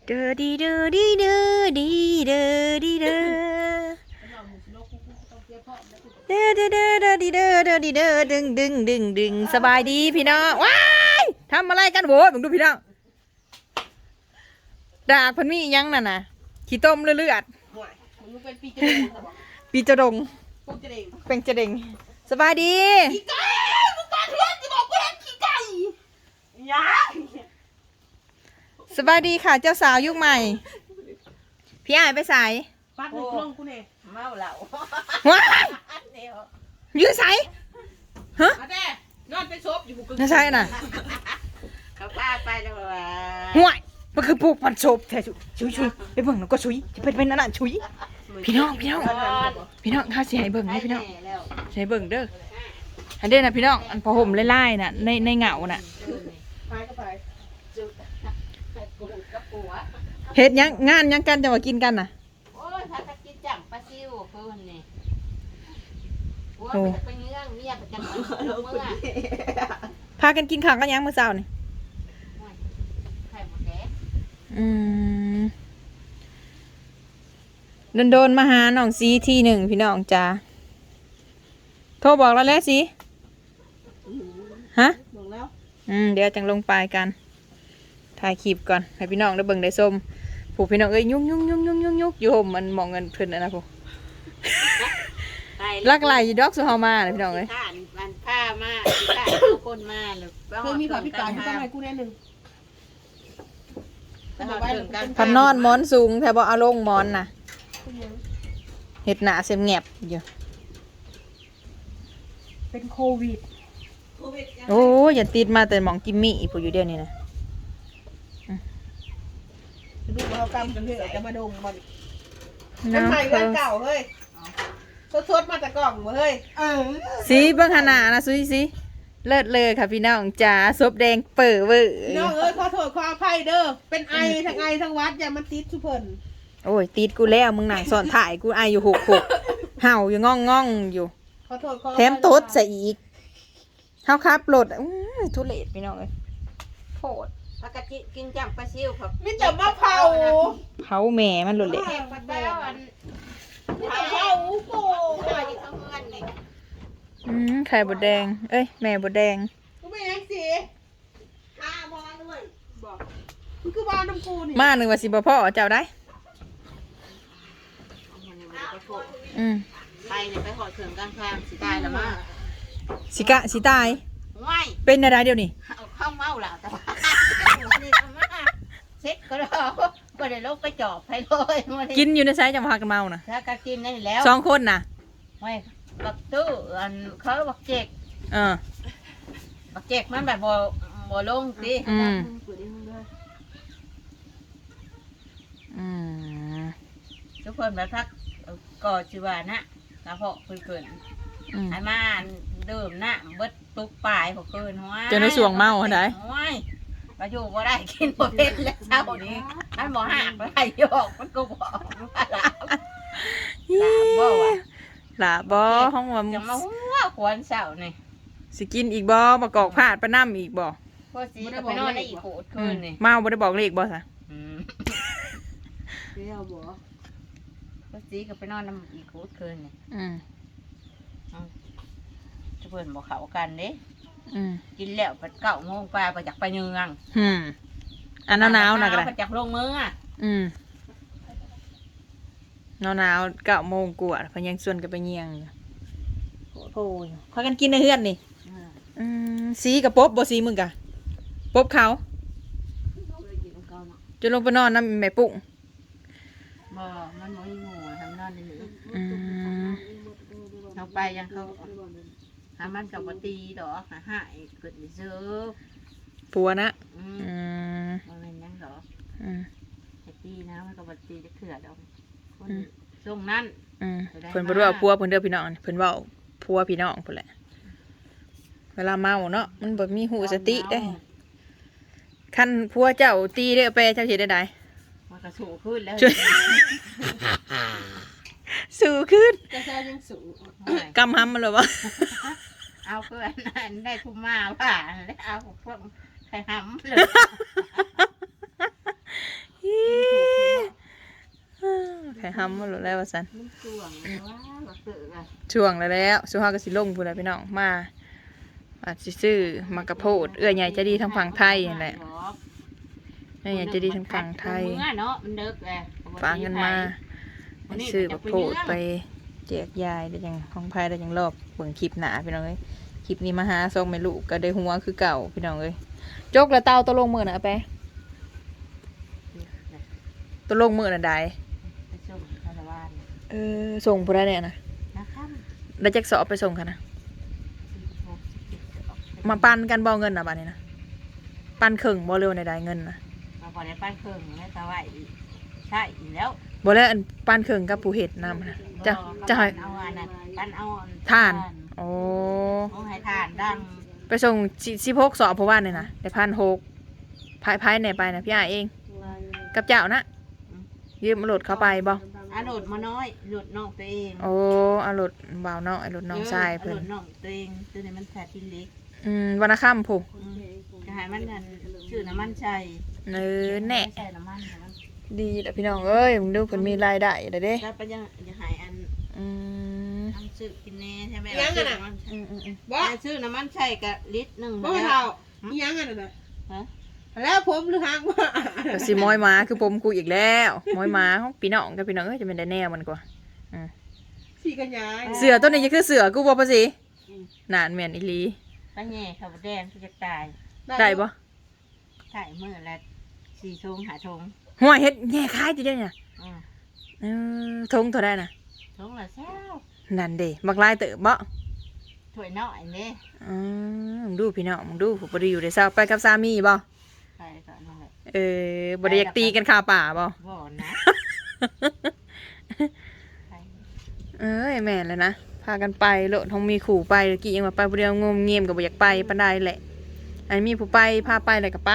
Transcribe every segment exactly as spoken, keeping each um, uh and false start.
เด้อดีเด้อดีเด้อดีเด้อดีเด้อเด้อเด้อเด้อเด้อดีเด้อเด้อดีเด้อดึงดึงดึงดึงสบายดีพี่น้องว้ายทำอะไรกันโว้ยมึงดูพี่น้องดากพันมียังนั่นน่ะขี้ต้มเลือดปีจะดงเป็นจะเด้งสบายดีขี้ไก่มึงปาเพื่อนจะบอกเพื่อนขี้ไก่ยาสบายดีค่ะเจ้าสาวยุคใหม่พี่อ้ายไปใส่ปัดในกล้องกูเนี่ยเมาเหล้าว้ายยื้อใส่ฮะนอนไปซบอยู่บุกน่าใช่น่ะเขาพาไปแล้วว่าห่วยมันคือปลูกมันศพแท้ชุยชุยไปเบิ่งแล้วก็ชุยจะเป็นเป็นนั่นน่ะชุยพี่น้องพี่น้องพี่น้องข้าสิให้เบิ่งให้พี่น้องสิให้เบิ่งเด้ออันเด้อนะพี่น้องอันพอห่มไล่ๆน่ะในในเหงาน่ะเฮ็ดยังงานยังกันจะมากินกันน่ะโอ้ยพากันกินจังปลาซิวเพิ่นนี่โอ้ไปเนื้อเมียประจำมื้อเมื่อพากันกินข้าวกันยังมื้อเช้านี่ไข่หมดแดงอืมโดนๆมาหาน้องซีทีหนึ่งพี่น้องจ้าโทรบอกแล้วแล้วสิฮะบอกแล้วอืมเดี๋ยวจังลงไปกันถ่ายคลิปก่อนให้พี่น้องได้เบิ่งได้ส้มผู้พี่น้องเอ้ยยุ่งยุ่งยุ่งยุ่งยุ่งยุ่งอยู่ห่มมันมองเงินเพิ่นนะผู้ลักไหลดอกสุเฮามาเลยพี่น้องเอ้ยมันผ้ามาผ้าเอาคนมาหรือเพิ่มมีขอพี่กายต้องให้กูแน่หนึ่งพันนอนมอนสูงแถวบ่เอาลงมอนน่ะเห็ดหนาเสียมแงบอยู่เป็นโควิดโอ้ยอย่าติดมาแต่หมองกิมมี่ผู้อยู่เดียวนี่นะดูเขากำกันเถอะจะมาดงมันมันใหม่เรื่องเก่าเฮ้ยสดๆมาจากกล่องเฮ้ยสีเบิ้งขนาดนะซุยสิเลิศเลยค่ะพี่น้องจ๋าซบแดงเปิดเวอร์น้องเอ้ยขอโทษขออภัยเด้อเป็นไอทั้งไอทั้งวัดอย่ามันติดสุเพิ่นโอ้ยติดกูแล้วมึงหนังสอนถ่ายกูไออยู่หกหกเห่าอยู่ง่องง่องอยู่ขอโทษขอแถมโต๊ดใส่อีกเฮาครับโหลดทุเรศพี่น้องเลยโคตรพากันกินจังปลาซิวครับมิจะมาเผาเผาแม่มันหลุดเลยเผาโป่อืมไข่บดแดงเอ้ยแม่บดแดงกูไม่ยังสิข้าบอลด้วยบอกมันคือบอลน้ำปูนี่มาหนึ่งว่าสิบ่พ่อเจ้าได้อืมไปเนี่ยไปหอดเขื่อนกลางทางสิตายแล้วมาสิกะสิตายไม่เป็นอะไรเดี๋ยวนี้เอาข้าวเมาแล้วแต่ว่าเซ็ตก็ได้ก็ได้ลกไปจอบให้เลยกินอยู่ในไซส์จังหวะกันเมาน่ะถ้าก็กินได้แล้วสองคนน่ะไม่กับตู้อันเขาบอกเจกเออบอกเจกมันแบบบ่บ่ลงสิอืมอืมทุกคนแบบพักก่อชีวานะกระเพาะเพิ่นๆให้มาดื่มนะเบิดตุกปลายพวกเพิ่นว่าจะได้สวงเมาไหนมาอยู่บ่ได้กินบ่เป็นแล้วเช้านี้มันบ่หักไหลยอกมันก็บ่ว่าหลาบบ่ว่ะหลาบ่ห้องว่าจะมาหัวขวนเช้านี่สิกินอีกบ่มากอกพาดไปน้ำอีกบ่พอสิก็ไปนอนได้อีกโหดคืนนี่เมาบ่ได้บอกเลขบ่ซะอืมเดี๋ยวบ่พอสิก็ไปนอนน้ำอีกโหดคืนนี่อืมจะเพิ่นบ่เข้ากันเด้อืมกินแล้วไปเก้าโมงไปไปจากไปเนืองอืมอันหนาวๆนะก็ได้ไปจากลงมืออ่ะอืมหนาวๆเก้าโมงกว่าพยังส่วนกันไปเนียงอยู่โอ้ยพากันกินในเฮือนนี่อืมสีกับป๊บบ่สีมึงกะป๊บเขาจะลงไปนอนน้ำแม่ปุ้งบ่มันบ่มีหมูทำนอนได้เลยอืมเอาไปยังเขาหามันกับปตีดอกหาหายเกิดเจอปัวนะอืมมันเป็นยังดอกอืมปตีนะมันกับปตีจะเถื่อดอกคนช่วงนั้นอืมเพิ่นบ่รู้ว่าพัวเพิ่นเด้อพี่น้องเพิ่นเว้าพัวพี่น้องเพิ่นแหละเวลาเมาเนาะมันบ่มีหูสติได้คันพัวเจ้าตีเด้อไปเจ้าสิได้ใดมันก็สูงขึ้นแล้วสูงขึ้นจะแซ่ยังสูงกำห้ำมันเลยวะเอาเพื่อนได้ทุ่มมาผ่าแล้วเอาพวกใครห้ำเลยข่ห้ำมาหลุดแล้วว่าสันมันช่วงว่าบักเตอร์อะช่วงแล้วแล้วสุภาพก็สิลงพูดแล้วพี่น้องมาอาจสิซื้อมากระโพดเอื้อใหญ่ใจะดีทางฝั่งไทยนั่นแหละเอื้อใหญ่ใจะดีทางฝั่งไทยเมื่อเนาะมันเลิกเลยฝากเงินมาให้ซื้อกระโพดไปแจกยายได้ยังของไทยได้ยังรอบเบิ่งคลิปหนาพี่น้องเอ้ยคลิปนี้มาหาซองไม่ลูกก็ได้หัวคือเก่าพี่น้องเอ้ยจกแล้วเตาตะลงมือน่ะไปตะลงมือน่ะได้ไปส่งคาราวานเออส่งผู้ใดเนี่ยนะนะครับแล้วแจ็คสอบไปส่งค่ะนะมาปันกันบ่เงินนะบ้านนี้นะปันครึ่งบ่เร็วในใดเงินนะมาพอได้ปั้นเครื่องแล้วแต่ว่าใช่อีกแล้วบ่แล้วอันปันครึ่งกับผู้เฮ็ดนำนะจะจะให้เอาอันนั้นปั้นเอาท่านโอ้เอาให้ทานดังไปส่งสิบหกสอบเพราะว่าเนี่ยนะได้พันหกพายพายไหนไปนะพี่อาเอง กับเจ้านะยืมรถเขาไปบ่อ่ะโหลดมาน้อยโหลดน้องตัวเองโอ้เอารถบ่าวน้องไอ้รถน้องชายเพิ่นโหลดน้องตัวเองตัวนี้มันแสบที่เล็กอืมวันละค่ำผู้จะให้มันนั่นชื่อน้ำมันใช่เออแน่ใส่น้ำมันน้ำมันดีแหละพี่น้องเอ้ยมึงดูเพิ่นมีรายได้ได้เด้แล้วไปยังจะหายอันอืมทำซื้อกินแน่ใช่ไหมยังไงน่ะอืมอืมอืมบ่ซื้อน้ำมันใช่กับลิตรหนึ่งบ่เท่าอีหยังอันนั้นน่ะฮะแล้วผมหรือหางว่าก็สิม้อยหมาคือผมกูอีกแล้วม้อยหมาของพี่น้องกับพี่น้องเอ้ยจะเป็นได้แนวมันกว่าสีกันยายเสือตัวนี้จะคือเสือกูบ่ปะสินานแม่นอีหลีป้าแง่ขับแดงที่จะตายได้บ่ถ่ายมือละสี่ทงหาทงหัวเฮ็ดแง่คล้ายจะได้เนี่ยอืมเออทงเท่าได้น่ะทงละเช้านั่นเด้บักลายเติบบ่ถ้วยน้อยเนี่ยอืมมึงดูพี่น้องมึงดูผู้บ่ได้อยู่ได้เศร้าไปกับสามีบ่ไปก่อนนั่นแหละเออบ่ได้อยากตีกันคาป่าบ่บ่นะไปเอ้ยแม่นเลยนะพากันไปโลดทองมีขู่ไปตะกี้ยังว่าไปผู้เดียวงมเงียมก็บ่อยากไปปานใดแหละอันมีผู้ไปพาไปแล้วก็ไป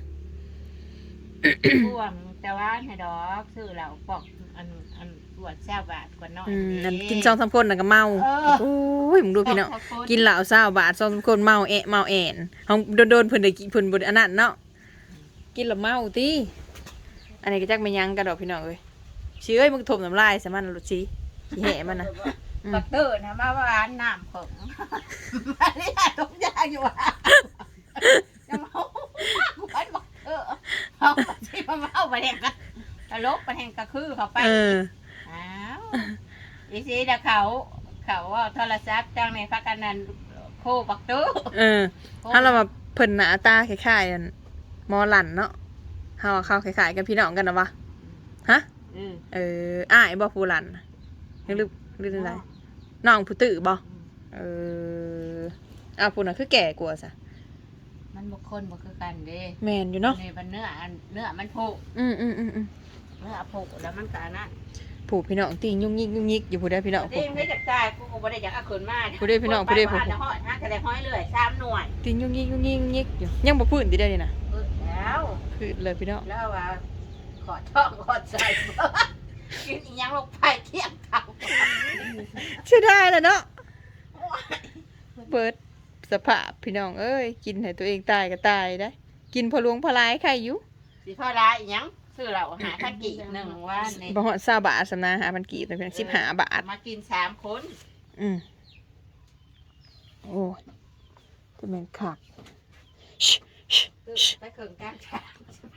พ่วงแต่ว่าให้ดอกซื้อเหล้าปอกอันอันปวดแซ่บบาทกว่าน้อยอืมเด้อันกินซองสามคนน่ะก็เมาเออโอ้ยมึงดูพี่น้องกินเหล้าเศร้าบาทซองสามคนเมาแอะเมาแอนเฮาโดนๆเพิ่นได้กินเพิ่นบ่ได้อันนั้นเนาะกินแล้วเมาติอันนี้ก็จักแม่นหยังกันดอกพี่น้องเอ้ยสิเอ้ยมึงถมน้ำลายใส่มันลูกสิสิแหะมันน่ะบักเตอร์นะมาว่าน้ำของมาเรียกทุกอย่างอยู่ว่าจะเมากูไปบักเตอร์เอาที่มาเมาไปแห่งกันตลกไปแห่งกระคือเขาไปเอออ้าวอีซีเดเขาเขาว่าโทรศัพท์จังในพักกันนั้นโคบักเตอร์เออถ้าเรามาเพิ่นหน้าตาคล้ายๆกันหมอหลั่นเนาะเฮาว่าเข้าคล้ายๆกันพี่น้องกันนะวะฮะเออเอออ้ายบ่ผู้หลั่นหรือหรืออะไรน้องผู้ตื้อบ่เอออ้าวผู้น่ะคือแก่กว่าซะมันบุคคลบุคือกันเด้แม่นอยู่เนาะในบันเนื้ออันเนื้อมันโผอืมอืมอืมอืมเนื้อโผแล้วมันกานะผู้พี่น้องติงยุ่งยิกยุ่งยิกอยู่ผู้ใดพี่น้องเด้ผู้ไม่จับจ่ายกูบ่ได้อยากเอาขืนมาผู้ใดพี่น้องผู้ใดผู้ห้อยห้าทะเลห้อยเลยสามหน่วยติงยุ่งยิกยุ่งยิกยุ่งยิกอยู่ยังบ่พื้นติได้นี่นะเออแล้วพื้นเลยพี่น้องแล้วว่าขอช่องขอใจกินอีหยังลงไปเที่ยงเท่าเชื่อได้แล้วเนาะเปิดสภาพพี่น้องเอ้ยกินให้ตัวเองตายก็ตายได้กินพอหลวงพอหลายใครอยู่สิพ่อร้ายอีหยังซื้อเราหาข้ากี่หนึ่งว่าในบ่ฮอด20บาทสำนาหาพันกีบแต่เพียงสิบห้าบาทมากินสามคนอืมโอ้ยจะเป็นคักชิชิชิไปเคิงกลางทางไป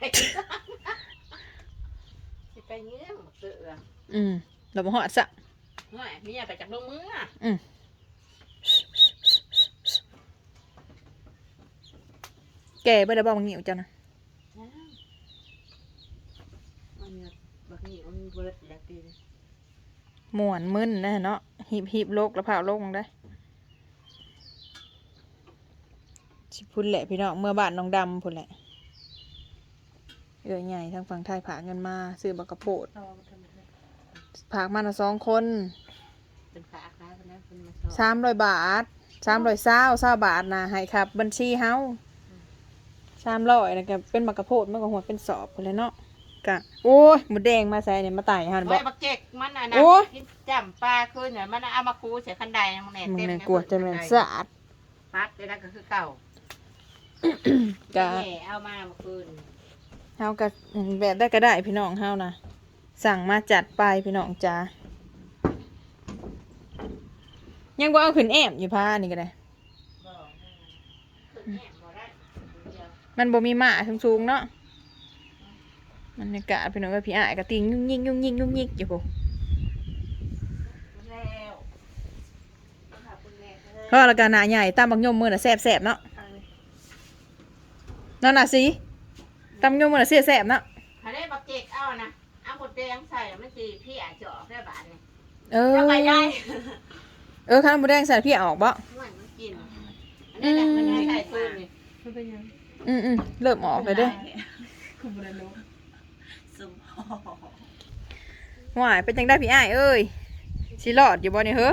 สิไปเงี้ยเสืออืมเราบ่ฮอดซะเมื่อเมียไปจากลงมืออืมแกบ่ได้บ่มึงหิวจ้ะนะมันบักนี่มันเบิดแล้วตีม่วนมึนนะเนาะหีบหีบโลกแล้วพาโลกมึงได้สิพุ่นแหละพี่น้องเมื่อบ้านน้องดำพุ่นแหละเอื้อใหญ่ทางฝั่งไทยผากเงินมาซื้อบักกะโพดผากมาละสองคนเป็นขาค้าคนนั้นเป็นมาสสามร้อยบาทสามร้อยเศร้าเศร้าบาทนะให้ครับ บัญชีเฮาสามร้อยนะก็เป็นบักกะโพดมันก็หัวเป็นสอบพุ่นแหล้วเนาะกะโอ้ยหมูแดงมาใส่เนี่ยมาไต่หันบไว้อกบักเก็กมันอ่ะนะโอ้ยกินจ้ำปลาคืนเนี่ยมันเอามาคูเสียคันใดมันแหน่มึงเต็มเนี่ยกลัวจะแม่นสะอาดพัดได้แล้วก็คือเก่ากะแม่เอามาเมื่อคืนเฮาก็อืมแบบได้ก็ได้พี่น้องเฮานะสั่งมาจัดไปพี่น้องจ้ายังบ่เอาขึ้นแอมอยู่พานี่ก็ได้ขึ้นแหบ่ได้เดียวมันบ่มีหมาสูงๆเนาะมันอากาศพี่น้องว่าพี่อ้ายก็ติงยุ่งยิงยุ่งยิงยุ่งยิงอยู่พุ่นแล้วขอบคุณแม่เด้อเพราะแล้วก็หน้าใหญ่ตามบักยมมื้อน่ะแซ่บๆเนาะนั่นน่ะสิตามบักยมมื้อน่ะแซ่บๆเนาะถ้าได้บักเจ็กเอานะเอาหมดแดงใส่แล้วมันสิพี่อาจจะออกได้บาดนี่เออเอาไปได้เออข้าวหมูแดงใส่พี่ออกบ่มันมันกินอันนี้แหละมันให้ใส่ตู้นี่มันเป็นยังอืมอืมเริ่มออกเลยเด้อคุณบุญนุสมพอหวายเป็นจังได้พี่อ้ายเอ้ยสิรอดอยู่บ่เนี่ยเฮ้อ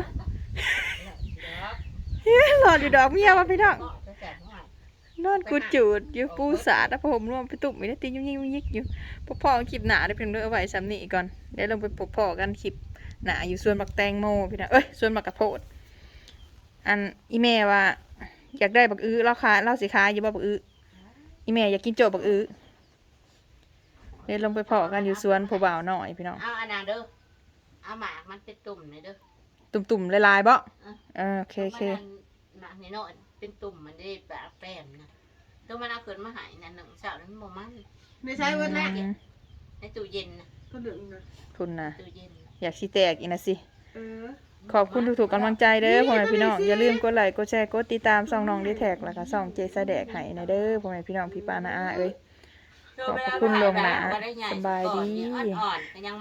หลอดอยู่ดอกเมียมาพี่น้องจะแสบหน่อยนอนกูจูดอยู่ปูสาดแล้วผมรวมไปตุ่มไม่ได้ตียุ่งยิ่งยุ่งยิกอยู่พวกพ่อคลิปหนาได้เพียงเด้อเอาไว้ซ้ำนี่ก่อนเดี๋ยวลงไปพบพ่อกันคลิปหนาอยู่ส่วนบักแตงโมพี่น้องเอ้ยส่วนบักกระโพดอันอีแม่ว่า อยากได้บักอื้อเราขายเราสิขายอยู่บ่บักอื้ออีแม่อยากกินโจบักอื้อเดี๋ยวลงไปพอกันอยู่สวนผู้บ่าวหน่อยพี่น้องเอาอันนั้นเด้อเอาหมากมันเป็นตุ่มเลยเด้อตุ่มๆลายๆบ่เออโอเคโอเคหมากนี่เนาะเป็นตุ่มมันได้ปากแป้มนะตัวมันเอาขึ้นมาหายนั่นหนึ่งสาวนั้นบ่มันไม่ใช่วันแรกอืมในตู้เย็นนะก็ดึงนะคุณนะตู้เย็นอยากสิแตกอีกนะสิเออขอบคุณทุกๆกำลังใจเด้อพ่อแม่พี่น้องอย่าลืมกดไลค์กดแชร์กดติดตามช่องน้องดีแท็กแล้วก็ช่องเจสแดกให้นะเด้อพ่อแม่พี่น้องพี่ปานาอาเอ้ย ขอบคุณลวงหน้าสบายดีอ่อนๆยัง